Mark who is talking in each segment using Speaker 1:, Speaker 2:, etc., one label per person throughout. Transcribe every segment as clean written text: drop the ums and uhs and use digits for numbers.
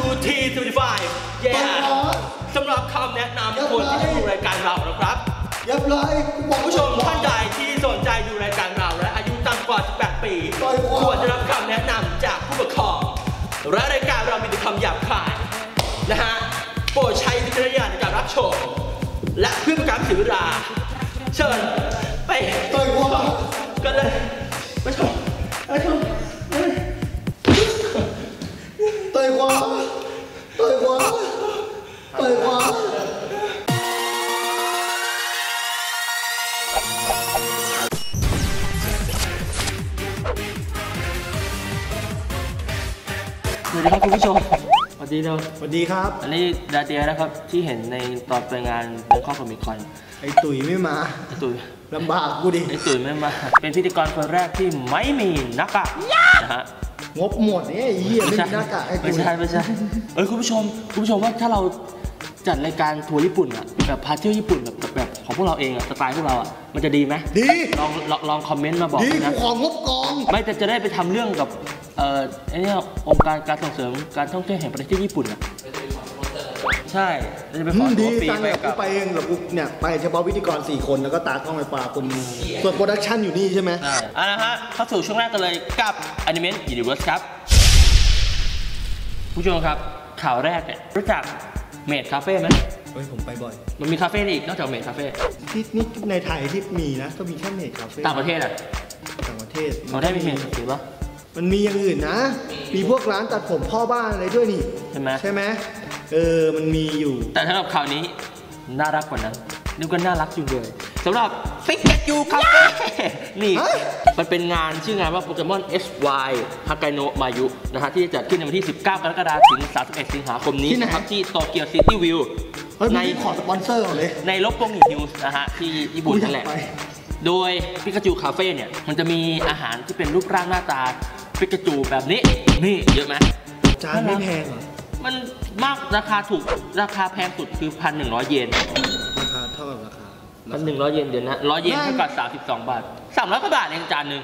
Speaker 1: T75 สำหรับคำแนะนำคนที่ดูรายการเรานะครับผู้ชมท่านใดที่สนใจดูรายการเราและอายุต่ำกว่า18 ปีควรจะรับคำแนะนำจากผู้ปกครองและรายการเรามีแต่คำหยาบคายนะฮะโปรดใช้วิจารณญาณในการรับชมและเพื่อเป็นการเสียเวลาเชิญไปกันเลยไปชม
Speaker 2: ต่อยขวาสวัสดีครับคุณผู้ชม
Speaker 1: สวัสดีครับสวัสดีครับอันนี้ดาเตียนะครับที่เห็นในตอนไปงานเบงคอกคอมิคอน
Speaker 2: ไอ้ตุ๋ยไม่มา
Speaker 1: ไอ้ตุ๋ย
Speaker 2: ลำบากกูดิ
Speaker 1: ไอ้ตุ๋ยไม่มาเป็นพิธีกรคนแรกที่ไม่มีหน้ากากนะฮะ
Speaker 2: งบหมดเนี่ยไอ้เหี้ยไม่มีหน้ากากไอ้ตุ๋ย
Speaker 1: ไม่ใช่คุณผู้ชมว่าถ้าเราจัดรายการทัวร์ญี่ปุ่นอะแบบพาเที่ยวญี่ปุ่นแบบของพวกเราเองอะสไตล์พวกเราอะมันจะดีไหม
Speaker 2: ดี
Speaker 1: ลองคอมเมนต์มาบอก
Speaker 2: นะของงบกอง
Speaker 1: ไม่แต่จะได้ไปทำเรื่องกับไอ้นี่องค์การส่งเสริมการท่องเที่ยวแห่งประเทศญี่ปุ่นอะใช่จะไปขอ
Speaker 2: ดีจังเลยกูไปเองแบบกูเนี่ยไปเฉพาะพิธีกร4 คนแล้วก็ตากล้องไฟฟ้าคนส่วนโปรดักชั่นอยู่นี่ใช่ไหม
Speaker 1: นะฮะเข้าสู่ช่วงแรกกันเลยกับ Anime Universe ครับผู้ชมครับข่าวแรกเนี่ยรู้จักเมดคาเฟ่ไหม
Speaker 2: ผมไปบ่อย
Speaker 1: มันมีคาเฟ่อีกนอกจากเมดคาเฟ่
Speaker 2: นี่ในไทยที่มีนะก็มีแค่เมดคาเฟ่
Speaker 1: ต่างประเทศอ่ะ
Speaker 2: ต่างประเทศ
Speaker 1: มีเมดหรือเปล่า
Speaker 2: มันมีอย่างอื่นนะมีพวกร้านตัดผมพ่อบ้านอะไรด้วยนี่
Speaker 1: ใช่ไหม
Speaker 2: มันมีอยู่
Speaker 1: แต่สำหรับข่าวนี้น่ารักกว่านั้นนึกว่าน่ารักจริงเลยสำหรับฟิกเกตยูคาเฟ่นี่มันเป็นงานชื่องานว่าโปเกมอน SY ฮากาโนะมายุนะฮะที่จะจัดขึ้นในวันที่19 กรกฎาคมถึง31 สิงหาคมนี้นะครับที่โตเกียวซิตี้วิว
Speaker 2: ในขอสปอนเซอร์เลย
Speaker 1: ในลบกงนิวส์นะฮะที่ญี่ปุ่นนั่นแหละโดยปิกาจูคาเฟ่เนี่ยมันจะมีอาหารที่เป็นรูปร่างหน้าตาปิกาจูแบบนี้นี่เยอะไหม
Speaker 2: จานไม่แพงเหรอ
Speaker 1: มันมากราคาถูกราคาแพงสุดคือ 1,100 เยน
Speaker 2: ราคาเท่ากับราคา
Speaker 1: 1,100 เยนเดี๋ยวนะ100 เยนเท่ากับ32 บาท300 กว่าบาทเองจานหนึ่ง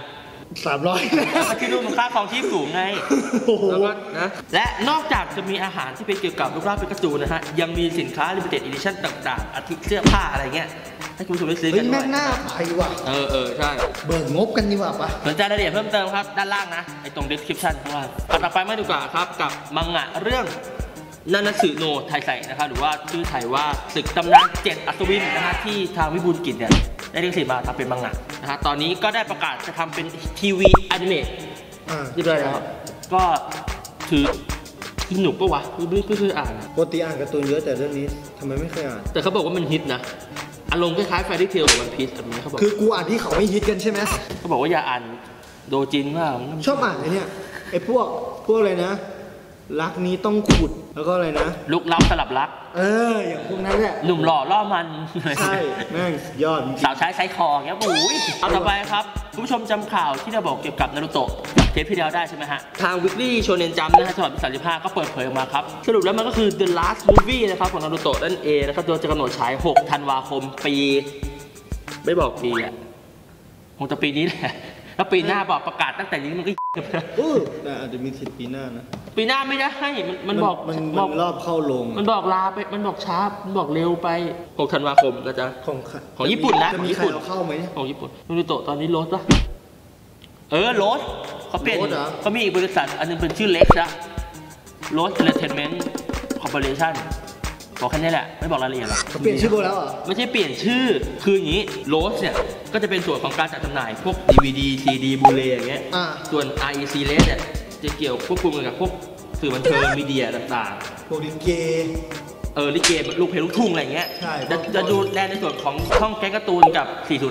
Speaker 2: 300
Speaker 1: คิดดูมันค่าครองชีพสูงไงแล้วก็นะและนอกจากจะมีอาหารที่เป็นเกี่ยวกับรูปร่างปิกาจูนะฮะยังมีสินค้า limited edition ต่างๆอาทิเสื้อผ้าอะไรเงี้ยให้คุณผู้ชมได้ซื้อกันด้วย
Speaker 2: หน้าไปว่ะ
Speaker 1: ใช่
Speaker 2: เบิกงบกันดีกว่าปะ
Speaker 1: สนใจรายละเอียดเพิ่มเติมครับด้านล่างนะไอ้ตรง description ข้างล่างต่อไปมาดีกว่าครับกับมังงะเรื่องนานาสึโนะไทไซนะครับหรือว่าชื่อไทยว่าศึกตำนาน7 อัศวินนะฮะที่ทางวิบูลย์กิจเนี่ยได้ลิขสิทธิ์มาทำเป็นมังงะนะฮะตอนนี้ก็ได้ประกาศจะทำเป็นทีวีอนิเมะเรียบร้อยแล้วก็ถือหนุกปะวะไม่เคยอ่าน
Speaker 2: ปกติอ่านการ์ตูนเยอะแต่เรื่องนี้ทำไมไม่เคยอ่าน
Speaker 1: แต่เขาบอกว่ามันฮิตนะอารมณ์คล้ายๆแฟรี่เทลกับวันพีซแบบนี้เขาบอก
Speaker 2: คือกูอ่านที่เขาไม่ฮิตกันใช่ไหม
Speaker 1: เขาบอกว่าอย่าอ่านโดจินว่า
Speaker 2: ชอบอ่านไอ้เนี่ยไอ้พวกอะไรนะรักนี้ต้องขุดแล้วก็อะไรนะ
Speaker 1: ลุกล้ำสลับรัก
Speaker 2: อย่างพวกนั้นแหละ
Speaker 1: หนุ่มหล่อล่อมัน
Speaker 2: ใช่แม่งยอด
Speaker 1: สาวใช้ไซคอเงี้ยปุ้ยเอาต่อไปครับคุณผู้ชมจำข่าวที่เราบอกเกี่ยวกับนารูโตะเทปที่แล้วได้ใช่ไหมฮะทาง Weekly Shonen Jump นะฮะฉบับที่35ก็เปิดเผยออกมาครับสรุปแล้วมันก็คือ The Last Movie นะครับของนารูโตะนั่นเองนะครับโดยจะกำหนดฉาย6 ธันวาคมปีไม่บอกปีอ่ะคงจะปีนี้แหละแล้วปีหน้าบอกประกาศตั้งแต่นี้มันก็
Speaker 2: แต่อาจจะมีสิทธิ์ปีหน้านะ
Speaker 1: ปีหน้าไม่ได้ให้มันบอก
Speaker 2: รอบเข้าลง
Speaker 1: มันบอกลาไปมันบอกช้ามันบอกเร็วไป6 ธันวาคมนะจ๊ะของญี่ปุ่นนะ
Speaker 2: จะมีใครเอาเข้าไหม
Speaker 1: ของญี่ปุ่นนารูโตะตอนนี้ลดปะลดเขาเปลี่ยนเขามีอีกบริษัทอันนึงเป็นชื่อเล็กนะลด Entertainment Corporationบอกแค่นี้แหละไม่บอกรายละเอียดหรอก
Speaker 2: เปลี่ยนชื่อโบแล้วเหรอ
Speaker 1: ไม่ใช่เปลี่ยนชื่อคืออย่างนี้โรสเนี่ยก็จะเป็นส่วนของการจัดจำหน่ายพวก DVD CD บูเลอย่างเงี้ยส่วน REC เลสเนี่ยจะเกี่ยวควบคุมกับพวกสื่อบันเทิงมีเดียต่าง
Speaker 2: ๆพวกลิเก
Speaker 1: ลิเกลูกเพลงลูกทุ่งอะไรเงี้ยจะดูแลในส่วนของช่องแก๊งการ์ตูนกับ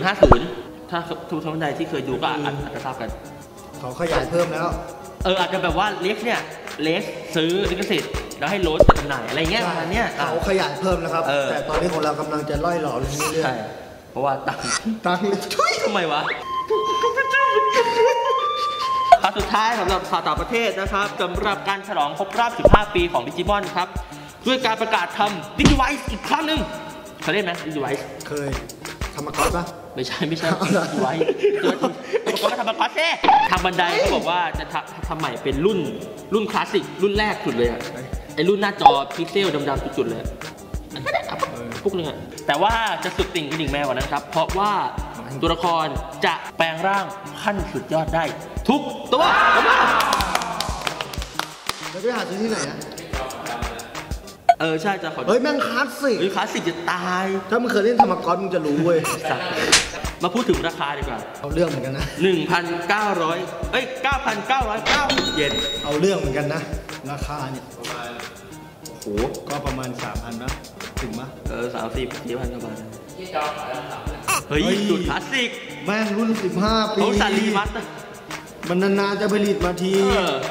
Speaker 1: 4050ถ้าทุกท่านใดที่เคยดูก็อาจจะทราบกัน
Speaker 2: เขาขยายเพิ่มแล้ว
Speaker 1: อาจจะแบบว่าเล็กเนี่ยเลสซื้อลิขสิทธิ์แล้วให้โรสจัดจำหน่ายอะไรเงี้ยประมาณเนี้ย
Speaker 2: เขาขยายเพิ่มนะครับแต่ตอนนี้ของเรากำลังจะล่อยหล่อเรื่อย
Speaker 1: ๆเพราะว่าตัง
Speaker 2: ทุย
Speaker 1: ทำไมวะข่าวสุดท้ายสำหรับข่าวต่างประเทศนะครับสำหรับการฉลองครบรอบ15 ปีของดิจิมอนครับด้วยการประกาศทำดิจิไวส์อีกครั้งหนึ่งเคยเล่นไหมดิจิไวส์
Speaker 2: เคยทำมาก่อนปะ
Speaker 1: ไม่ใช่ดิจิไวส์ตัวก็ทำมาก่อนเซ่ทางบันไดเขาบอกว่าจะทำใหม่เป็นรุ่นคลาสสิกรุ่นแรกสุดเลยอะไอ้รุ่นหน้าจอพิกเซลดำๆจุดๆเลยพวกนึงอะแต่ว่าจะสุดติ่งกระดิ่งแมวกว่านั้นครับเพราะว่าตัวละครจะแปลงร่างขั้นสุดยอดได้ทุกตัว
Speaker 2: แล้วไปหาซื้อที่ไหนอะ
Speaker 1: ใช่จะขอ
Speaker 2: เฮ้ยแม่งคลาสสิก
Speaker 1: คลาสสิกจะตาย
Speaker 2: ถ้ามึงเคยเล่นธรรมกรมึงจะรู้เว้ย
Speaker 1: มาพูดถึงราคาดีกว่า
Speaker 2: เอาเรื่องเหมือนกันนะ
Speaker 1: 9,900 เยน
Speaker 2: เอาเรื่องเหมือนกันนะราคาเนี่ยโอ้โหก็ประมาณ 3,000 นะถึงมั้ย
Speaker 1: 30-4,000 กว่าบาทเฮ้ยสุดคลาสสิก
Speaker 2: แม่งรุ่น15 ปี
Speaker 1: เขาสารีมัด
Speaker 2: มันนานๆจะผลิตมาที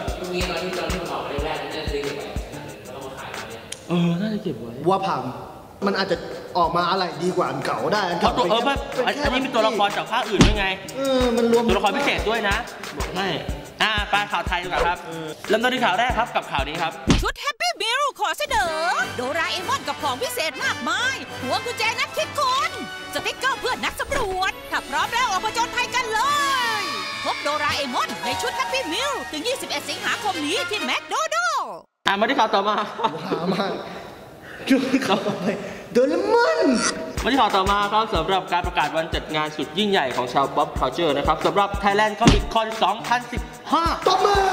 Speaker 1: น่าจะเก็บไว้
Speaker 2: ว่าผังมันอาจจะออกมาอะไรดีกว่าอันเก่าได้
Speaker 1: เพราะตัวอันนี้เป็นตัวละครจากภาคอื่นด้วยไง
Speaker 2: มันรวม
Speaker 1: ตัวละครพิเศษด้วยนะบอกให้ไปข่าวไทยดีกว่าครับเริ่มต้นที่ข่าวแรกครับกับข่าวนี้ครับ
Speaker 3: ชุดแฮปปี้มิลขอเสนอโดราเอมอนกับของพิเศษมากมายหัวกุญแจนักคิดคนสติ๊กเกอร์เพื่อนนักสำรวจถ้าพร้อมแล้วออกมาผจญภัยกันเลยพบโดราเอมอนในชุดแฮปปี้มิลถึง21 สิงหาคมนี้ที่แมคโดนัลด์
Speaker 1: มาที่ข่าวต่อมา
Speaker 2: ชุดเขาไปโดเรมอน
Speaker 1: มาที่ข่าวต่อมาครับสำหรับการประกาศวันจัดงานสุดยิ่งใหญ่ของชาวป๊อปคัลเจอร์นะครับสำหรับ Thailand Comic Con 2015
Speaker 2: ต่อมา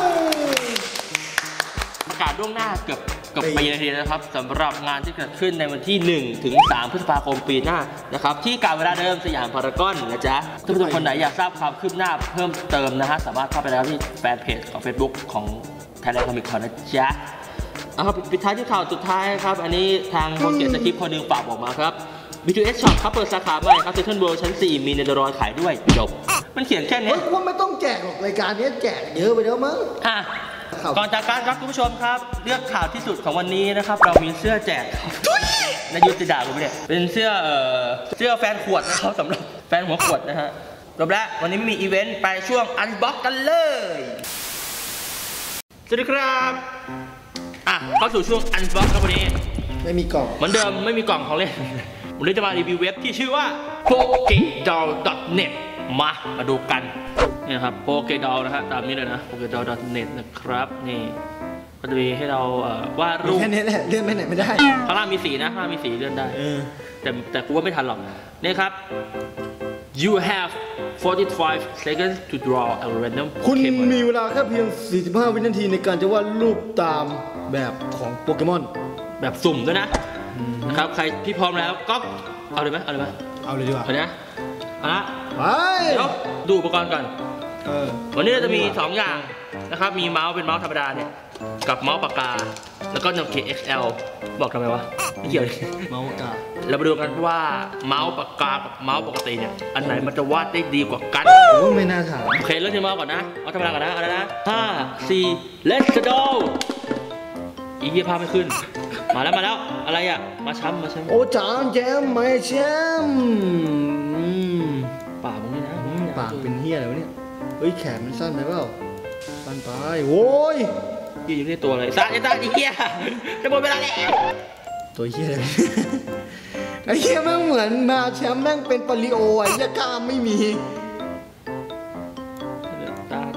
Speaker 1: ประกาศล่วงหน้าเกือบปีเลยนะครับสำหรับงานที่เกิดขึ้นในวันที่1 ถึง 3 พฤษภาคมปีหน้านะครับที่การเวลาเดิมสยามพารากอนนะจ๊ะถ้าทุกคนไหนอยากทราบความคืบหน้าเพิ่มเติมนะฮะสามารถเข้าไปแล้วที่แฟนเพจของ Facebook ของ Thailand Comic Con นะจ๊ะปิดท้ายที่ข่าวสุดท้ายครับอันนี้ทางคนเขียนสคริปต์คนหนึ่งฝากบอกมาครับ B2S Shop ครับเปิดสาขาใหม่ครับ Central World ชั้น 4 มีเนเธอร์แลนด์ขายด้วยจบมันเขียนแค่นี้
Speaker 2: ว่าไม่ต้องแจกหรอกรายการนี้แจกเยอะไปแล้วมั้ง
Speaker 1: ก่อนจากการครับคุณผู้ชมครับเลือกข่าวที่สุดของวันนี้นะครับเรามีเสื้อแจกครับนายยุทธด่าผมเนี่ยเป็นเสื้อแฟนขวดนะครับสำหรับแฟนหัวขวดนะฮะจบแล้ววันนี้ไม่มีอีเวนต์ไปช่วงอันบ็อกกันเลยสวัสดีครับเข้าสู่ช่วงอันบ็อกครับวันนี้
Speaker 2: ไม่มีกล่อง
Speaker 1: เหมือนเดิมไม่มีกล่องของเล่นวันนี้จะมารีวิวเว็บที่ชื่อว่า pokedoll.net มาดูกันนี่นะครับ pokedoll นะฮะตามนี้เลยนะ pokedoll.net นะครับนี่ก็จะมีให้เราวาดรูป
Speaker 2: แค่นี้แหละเลื่อนไปไหนไม่ได้
Speaker 1: ข้างล่างมีสีนะข้างล่างมีสีเลื่อนได้แต่กูว่าไม่ทันหรอกนี่ครับ you have 45 seconds to draw a random
Speaker 2: คุณมีเวลาแค่เพียง45 วินาทีในการจะวาดรูปตามแบบของโปเกมอน
Speaker 1: แบบสุ่มด้วยนะครับใครที่พร้อมแล้วก็เอาเลยไหมเอาเลย
Speaker 2: ดีกว่า
Speaker 1: เอาเลยนะเอาละ
Speaker 2: ไป
Speaker 1: เดี๋ยวดูอุปกรณ์ก่อนวันนี้เราจะมี2อย่างนะครับมีเมาส์เป็นเมาส์ธรรมดาเนี่ยกับเมาส์ปากกาแล้วก็โนเกีย XL บอกทำไมวะไม่เกี่ยว
Speaker 2: เมาส์ปากกา
Speaker 1: เราไปดูกันว่าเมาส์ปากกากับเมาส์ปกติเนี่ยอันไหนมันจะวาดได้ดีกว่ากัน
Speaker 2: ไม่น่าถาม
Speaker 1: โอเคเริ่มที่เมาส์ก่อนนะเอาธรรมดาก่อนนะอะไรนะ5 4 let's go อีกยี่ภาพไม่ขึ้นมาแล้วอะไรอ่ะมาช้ำ
Speaker 2: โอ้จานแจมไม่แชม
Speaker 1: ปากมึงนี่นะ
Speaker 2: ปากเป็นเหี้ยอะไรวะเนี่ยเฮ้ยแขนมันสั้นไปเปล่าสั้นไปโว้ย
Speaker 1: อยู่ในตัวเลยสั้นอีเหี้ยจะหมดเวลาแล้ว
Speaker 2: ตัวเหี้ยอะไรไอ้เหี้ยแม่งเหมือนมาแชมป์แม่งเป็นปริโอไอ้เหี้ยกล้ามไม่มี
Speaker 1: ตา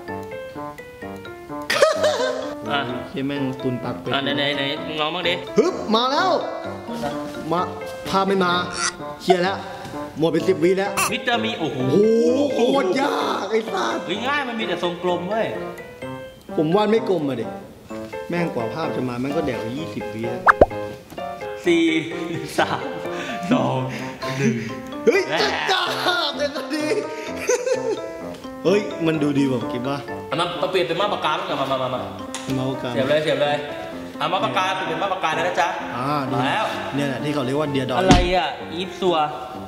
Speaker 2: เหี้ยแม่งตุนปากเป็น
Speaker 1: ไหนมึงลองบ้างดิ
Speaker 2: ฮึบมาแล้วมาพาไม่มาเหี้ยแล้วหมดไป10 วิแล้ว
Speaker 1: มิสเตอร์มีโอ้โห
Speaker 2: โคตรยากไอ้สัส
Speaker 1: ง่ายมันมีแต่ทรงกลมเว้ย
Speaker 2: ผมวาดไม่กลมอะดิแม่งกว่าภาพจะมาแม่งก็แดกไป20 วิแล้ว
Speaker 1: 4 3 2 1
Speaker 2: เฮ้ยจัดจ้าเด็กดีเฮ้ยมันดูดีกว่าคิดว่า
Speaker 1: มาเปลี่ยนเป็นมาปากกาบ้างกันมา
Speaker 2: มาปากกา
Speaker 1: เสียบเลยมาปากกาเปลี่ยนเป็นมาปากกานะจ๊ะ
Speaker 2: ดีแล้วเนี่ยแหละที่เขาเรียกว่าเดียดอ
Speaker 1: อะไรอ่ะอีฟซอ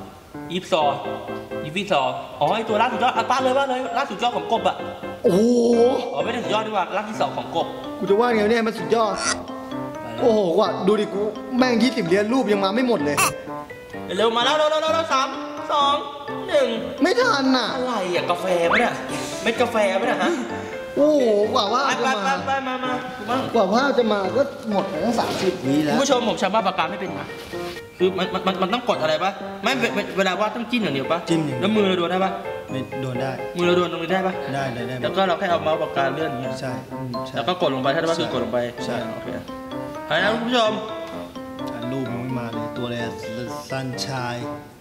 Speaker 1: อ๋อไอตัวล่าสุดยอดป้าเลยล่าสุดยอดของกบอ่ะ
Speaker 2: โอ้โห
Speaker 1: ไม่ได้สุดยอดดีกว่าล่าที่2ของกบ
Speaker 2: กูจะว่าไงเนี่ยมันสุดยอดโอ้โหว่ะดูดิกูแม่ง20 เหรียญรูปยังมาไม่หมดเลย
Speaker 1: เร็วมาแล้ว3 2 1
Speaker 2: ไม่ทันน่ะ
Speaker 1: อะไรอ่ะกาแฟปะเนี่ยเม็ดกาแฟปะเนี่ยฮะ
Speaker 2: โอ้โหกว่าว่าจะมากว่าว่าจะมาก็หมดไปตั้ง30 วิแล้ว
Speaker 1: คุณผู้ชมผมใช้ปากกาไม่เป็นนะคือมันต้องกดอะไรปะไม่เวลาวาดต้องจิ้มอย่างเดียวปะ
Speaker 2: จิ้ม
Speaker 1: แล้วมือเราดูได้ปะ
Speaker 2: ไม่โดนได้
Speaker 1: มือเราโดนตรงนี้ได้ปะ
Speaker 2: ได้
Speaker 1: แล้วก็เราแค่เอาเมาส์ปากกาเลื่อนอย่างเงี้ย
Speaker 2: ใช่
Speaker 1: แล้วก็กดลงไปถ้าได้ว่ากดลงไป
Speaker 2: ใช่
Speaker 1: โอเคไปนะคุณผู้ชม
Speaker 2: รูปมันไม่มาเลยตัวอะไรซันชาย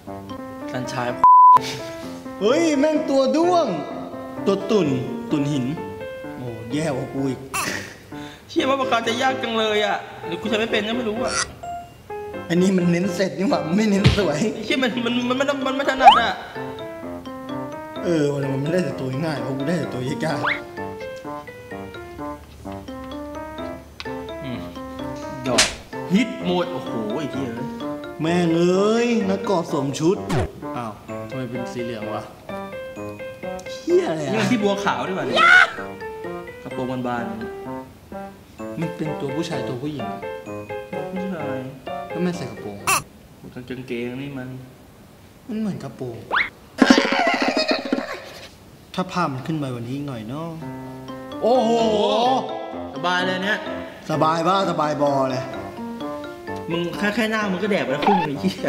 Speaker 2: เฮ้ยแม่งตัวด้วงตัวตุ่นหินโอ้แย่กว่ากูอีก
Speaker 1: เชื่อว่าปากกาจะยากจังเลยอ่ะหรือกูใช้ไม่เป็นก็ไม่รู้อ่ะ
Speaker 2: อันนี้มันเน้นเสร็จนี่หว่าไม่เน้นสวย
Speaker 1: เชื่อมันไม่ถนัดอ่ะ
Speaker 2: มันไม่ได้แต่ตัวง่ายเพราะกูได้แต่ตัวยาก
Speaker 1: ดอกฮิตโหมดโอ้โหไอ้เหี้ย
Speaker 2: แม่งเอ้ยนักกอดสวมชุดอ้าวทำไมเป็นสีเหลืองวะเหี้ยอะไร
Speaker 1: นี่มันที่บัวขาวด้วยมันกระโปรงบาน
Speaker 2: มันเป็นตัวผู้ชายตัวผู้หญิง
Speaker 1: ผู้ชาย
Speaker 2: ก็ไม่ใส่กระโปรง
Speaker 1: กางเกงนี่มัน
Speaker 2: เหมือนกระโปรงถ้าภาพมันขึ้นไปวันนี้หน่อยเนาะโอ้โห
Speaker 1: สบายเลยเนี่ย
Speaker 2: สบายบ้าสบายบอเลย
Speaker 1: มึงแค่หน้ามึงก็แดกไปแล้วครึ่งเลยที่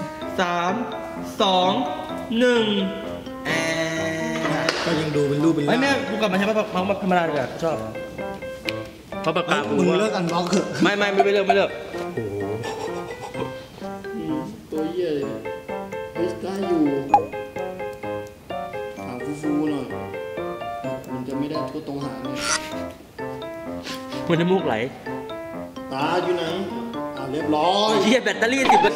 Speaker 1: 3 2 1
Speaker 2: ก็ยังดูเป็นรูปเป็นร่าง
Speaker 1: ไม่แม่กูกลับมาใช้มาธรรมดาเลยชอบเพราะปากกา
Speaker 2: มึงเลิกอันบล็อกเถอะ
Speaker 1: ไม่เลิก
Speaker 2: โอ้ตัวเหี้ยเลยเฮ้ยได้อยู่หางฟูหน่อยมันจะไม่ได้ทั่วตรงหางเนี่ย
Speaker 1: มันน้ำมูกไหล
Speaker 2: ตาอยู่ไหนเรียบร้อย
Speaker 1: เหี้ยแบตเตอรี่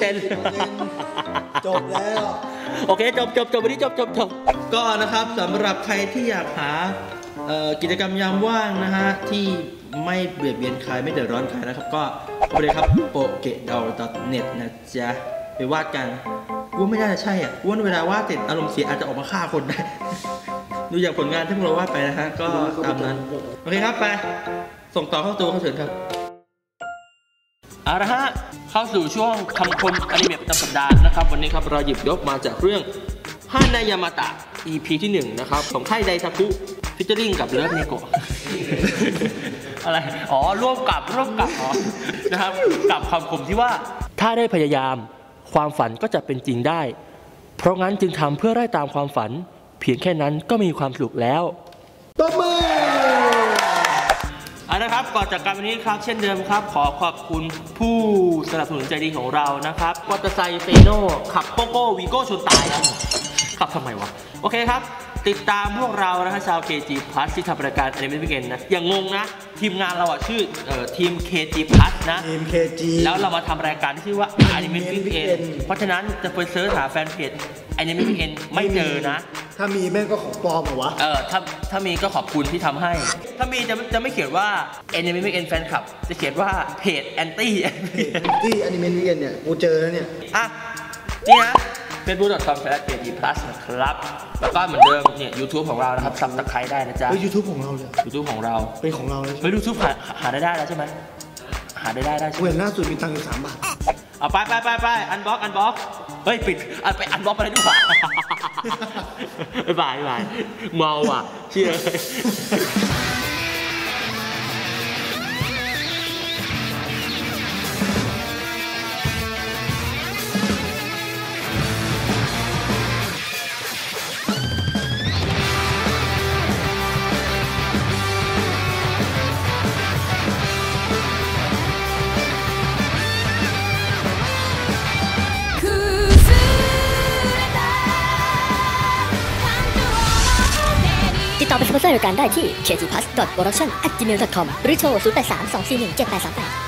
Speaker 1: 10%
Speaker 2: จบแล้ว
Speaker 1: โอเคจบวันนี้จบก็นะครับสำหรับใครที่อยากหากิจกรรมยามว่างนะฮะที่ไม่เบียดเบียนใครไม่เดือดร้อนใครนะครับก็ไปเลยครับ pokedol.net นะจ๊ะไปวาดกันว่าไม่น่าจะใช่อ่ะว่าเวลาวาดเสร็จอารมณ์เสียอาจจะออกมาฆ่าคนได้ดูอย่างผลงานที่พวกเราวาดไปนะฮะก็ตามนั้นโอเคครับไปส่งต่อเข้าตัวเขาเถิดครับเอาละฮะเข้าสู่ช่วงคำคมอนิเมะประจำสัปดาห์นะครับวันนี้ครับเราหยิบยกมาจากเรื่องฮานายามาตะ EP ที่1นะครับของค่ายไดทาคุฟิชเจอริ่งกับเลิฟเนโกะอะไรร่วมกับนะครับกับคำคมที่ว่าถ้าได้พยายามความฝันก็จะเป็นจริงได้เพราะงั้นจึงทำเพื่อไล่ตามความฝันเพียงแค่นั้นก็มีความสุขแล้ว
Speaker 2: ตบมือ
Speaker 1: นะครับก่อนจากการวันนี้ครับเช่นเดิมครับขอขอบคุณผู้สนับสนุนใจดีของเรานะครับมอเตอร์ไซค์เฟโน่ขับโกโก้วีโก้ชนตายครับขับทำไมวะโอเคครับติดตามพวกเรานะฮะชาว KG Plus ที่ทำรายการ Anime Weekend นะอย่างงงนะทีมงานเราชื่อทีม KG Plus นะ
Speaker 2: ทีม KG
Speaker 1: แล้วเรามาทำรายการที่ชื่อว่า Anime Weekend เพราะฉะนั้นจะไปเสิร์ชหาแฟนเพจ Anime Weekend ไม่เจอนะ
Speaker 2: ถ้ามีแม่งก็ของปลอมเหรอวะ
Speaker 1: ถ้ามีก็ขอบคุณที่ทำให้ถ้ามีจะไม่เขียนว่า Anime Weekend Fan Club จะเขียนว่าเพจ Anti
Speaker 2: Anime Weekend เนี่ยกูเจอแล้วเนี่ย
Speaker 1: นี่นะfacebook.com/kgplus นะครับแล้วก็เหมือนเดิมเนี่ย YouTube ของเรานะครับซับสไครต์ได้นะจ๊ะ
Speaker 2: YouTube ของเราเลย
Speaker 1: YouTube ของเรา
Speaker 2: เป็นของเราเลย
Speaker 1: YouTube หาได้แล้วใช่ไหมหาได้ใช่ไหม
Speaker 2: เว้นล่าสุดมีตังค์อยู่3 บาท
Speaker 1: เอาไปอันบล็อกเฮ้ยปิดไปอันบล็อกไปเลยดีกว่าบายเมาอ่ะเชื่อ
Speaker 4: ติดต่อเป็นสปอนเซอร์รายการได้ที่ kgplus.production@gmail.com หรือโทร 0832417838